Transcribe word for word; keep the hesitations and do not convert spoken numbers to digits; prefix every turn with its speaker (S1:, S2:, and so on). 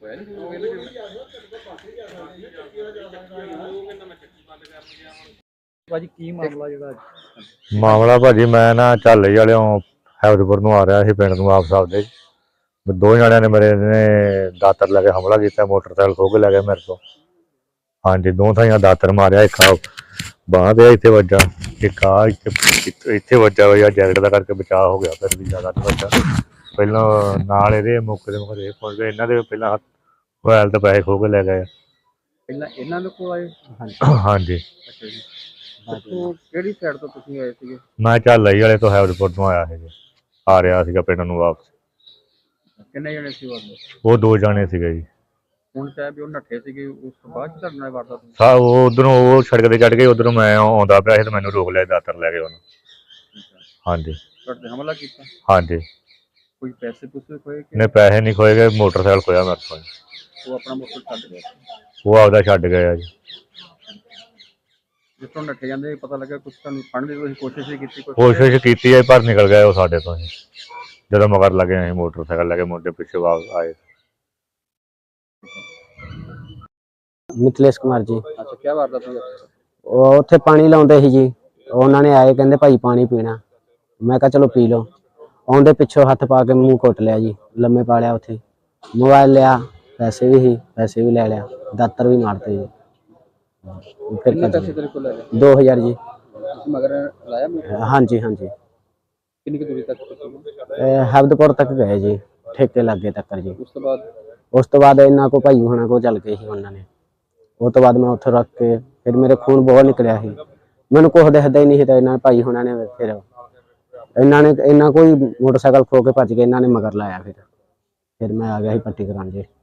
S1: ਭਾਜੀ ਕੀ ਮਾਮਲਾ ਜਿਹੜਾ
S2: ਮਾਮਲਾ ਭਾਜੀ ਮੈਂ ਨਾ ਝਾਲੇ ਵਾਲਿਓਂ ਹੈਦਪੁਰ ਨੂੰ ਆ ਰਿਹਾ ਸੀ ਪਿੰਡ ਨੂੰ ਵਾਪਸ ਆਪਦੇ ਦੋ ਜਣਿਆਂ ਨੇ ਮੇਰੇ ਨੇ ਦਾਤਰ ਲੈ ਕੇ ਹਮਲਾ ਕੀਤਾ ਮੋਟਰਸਾਈਕਲ ਖੋਹ ਕੇ ਲੈ ਗਏ ਮੇਰੇ ਤੋਂ ਹਾਂਜੀ ਦੋ ਥਾਈਆਂ ਦਾਤਰ ਮਾਰਿਆ ਇੱਕ ਬਾਂਹ ਤੇ ਇੱਥੇ ਵੱਜਾ ਇੱਕ ਆ ਇੱਥੇ ਇੱਥੇ ਵੱਜਾ ਹੋਇਆ ਜੈਕਟ ਦਾ ਕਰਕੇ ਬਚਾਅ ਹੋ ਗਿਆ ਫਿਰ ਵੀ ਜ਼ਿਆਦਾ ਨਹੀਂ ਵੱਜਾ ਪਹਿਲਾਂ ਨਾਲ ਇਹਦੇ ਮੁੱਕ ਦੇ ਮੁੱਕ ਦੇ ਪਹੁੰਚ ਗਏ ਇਹਨਾਂ ਦੇ ਪਹਿਲਾਂ ਮੋਬਾਈਲ ਤੇ ਪੈਸੇ ਖੋਹ ਕੇ ਲੈ ਗਏ
S1: ਪਹਿਲਾਂ ਇਹਨਾਂ ਦੇ ਕੋਲ ਆਏ
S2: ਹਾਂਜੀ
S1: ਅੱਛਾ ਜੀ ਕਿਹੜੀ ਸਾਈਡ ਤੋਂ ਤੁਸੀਂ ਆਏ ਸੀਗੇ
S2: ਮੈਂ ਝਾਲੇ ਵਾਲੇ ਤੋਂ ਹੈਦਪੁਰ ਤੋਂ ਆਇਆ ਸੀ ਆ ਰਿਹਾ ਸੀਗਾ ਪਿੰਡ ਨੂੰ ਵਾਪਸ
S1: ਕਿੰਨੇ ਜਣੇ ਸੀ
S2: ਉਹ ਦੋ ਜਾਣੇ ਸੀਗੇ ਜੀ
S1: ਹੁਣ ਚਾਹੇ ਵੀ ਉਹ ਨੱਠੇ ਸੀਗੇ ਉਸ ਤੋਂ ਬਾਅਦ ਤੁਹਾਡੇ ਨਾਲ ਵਾਰਦਾਤ
S2: ਸਾ ਉਹ ਉਧਰੋਂ ਉਹ ਸੜਕ ਤੇ ਚੜ੍ਹ ਗਏ ਉਧਰੋਂ ਮੈਂ ਆਉਂਦਾ ਪਿਆ ਸੀ ਤੇ ਮੈਨੂੰ ਰੋਕ ਲਿਆ ਦਾਤਰ ਲੈ ਕੇ ਉਹਨੂੰ ਹਾਂਜੀ
S1: ਤੁਹਾਡੇ ਹਮਲਾ ਕੀਤਾ
S2: ਹਾਂਜੀ
S1: ਕੋਈ ਪੈਸੇ ਪੂਸੇ ਖੋਏ
S2: ਨੇ ਪੈਸੇ ਨਹੀਂ ਖੋਏ ਗਏ ਮੋਟਰਸਾਈਕਲ ਖੋਇਆ ਮੇਰੇ ਕੋਲ
S1: ਉਹ ਆਪਣਾ ਮੋਟਰਸਾਈਕਲ ਛੱਡ ਗਿਆ
S2: ਉਹ ਆਪਦਾ ਛੱਡ ਗਏ ਆ ਜੀ
S1: ਜਿਸ ਤੋਂ ਨੱਠੇ ਜਾਂਦੇ ਪਤਾ ਲੱਗਾ ਕੁਛ ਤੁਹਾਨੂੰ ਫੜਨ ਦੀ ਤੁਸੀਂ ਕੋਸ਼ਿਸ਼ ਹੀ ਕੀਤੀ
S2: ਕੋਸ਼ਿਸ਼ ਕੀਤੀ ਹੈ ਪਰ ਨਿਕਲ ਗਏ ਉਹ ਸਾਡੇ ਤੋਂ ਜਦੋਂ ਮਗਰ ਲੱਗੇ ਅਸੀਂ ਮੋਟਰਸਾਈਕਲ ਲੈ ਕੇ ਮੁੰਡੇ ਪਿੱਛੇ ਵਾਪਸ ਆਏ
S3: ਮਿਥਲੇਸ਼ ਕੁਮਾਰ ਜੀ
S1: ਅੱਛਾ ਕੀ ਵਾਰਦਾਤ ਹੋਈ
S3: ਉਹ ਉੱਥੇ ਪਾਣੀ ਲਾਉਂਦੇ ਸੀ ਜੀ ਉਹਨਾਂ ਨੇ ਆਏ ਕਹਿੰਦੇ ਭਾਈ ਪਾਣੀ ਪੀਣਾ ਮੈਂ ਕਿਹਾ ਚਲੋ ਪੀ ਲਓ ਆਉਂਦੇ ਪਿੱਛੋਂ ਹੱਥ ਪਾ ਕੇ ਮੂੰਹ ਘੁੱਟ ਲਿਆ ਜੀ ਲੰਮੇ ਪਾ ਲਿਆ ਉੱਥੇ ਮੋਬਾਈਲ ਲਿਆ ਪੈਸੇ ਵੀ ਸੀ ਪੈਸੇ ਵੀ ਲੈ ਲਿਆ ਦਾਤਰ ਵੀ ਮਾਰਤੇ ਜੀ ਫਿਰ
S1: ਕਿੰਨੇ ਪੈਸੇ ਤੇਰੇ ਕੋਲ ਲੈ ਗਏ
S3: ਦੋ ਹਜ਼ਾਰ ਜੀ
S1: ਮਗਰ ਲਾਇਆ
S3: ਹਾਂਜੀ ਹਾਂਜੀ
S1: ਕਿੰਨੀ ਕੁ ਦੂਰੀ ਤੱਕ
S3: ਹਬਦਪੁਰ ਤੱਕ ਗਏ ਜੀ ਠੇਕੇ ਲੱਗੇ ਤੱਕ ਜੀ
S1: ਉਸ ਤੋਂ ਬਾਅਦ
S3: ਉਸ ਤੋਂ ਬਾਅਦ ਇਹਨਾਂ ਕੋ ਭਾਈ ਹੋਣਾ ਕੋ ਚੱਲ ਗਏ ਸੀ ਉਹਨਾਂ ਨੇ ਉਹ ਤੋਂ ਬਾਅਦ ਮੈਂ ਉੱਥੇ ਰੱਖ ਕੇ ਫਿਰ ਮੇਰੇ ਖੂਨ ਬਹੁਤ ਨਿਕਲਿਆ ਸੀ ਮੈਨੂੰ ਕੁਛ ਦਿਖਦਾ ਹੀ ਨਹੀਂ ਸੀ ਤਾਂ ਇਹਨਾਂ ਭਾਈ ਹੋਣਾ ਨੇ ਫਿਰ ਇਹਨਾਂ ਨੇ ਇਹਨਾਂ ਕੋਈ ਮੋਟਰਸਾਈਕਲ ਖੋ ਕੇ ਭੱਜ ਕੇ ਇਹਨਾਂ ਨੇ ਮਗਰ ਲਾਇਆ ਫਿਰ ਫਿਰ ਮੈਂ ਆ ਗਿਆ ਸੀ ਪੱਟੀ ਕਰਾਉਣ ਜੀ।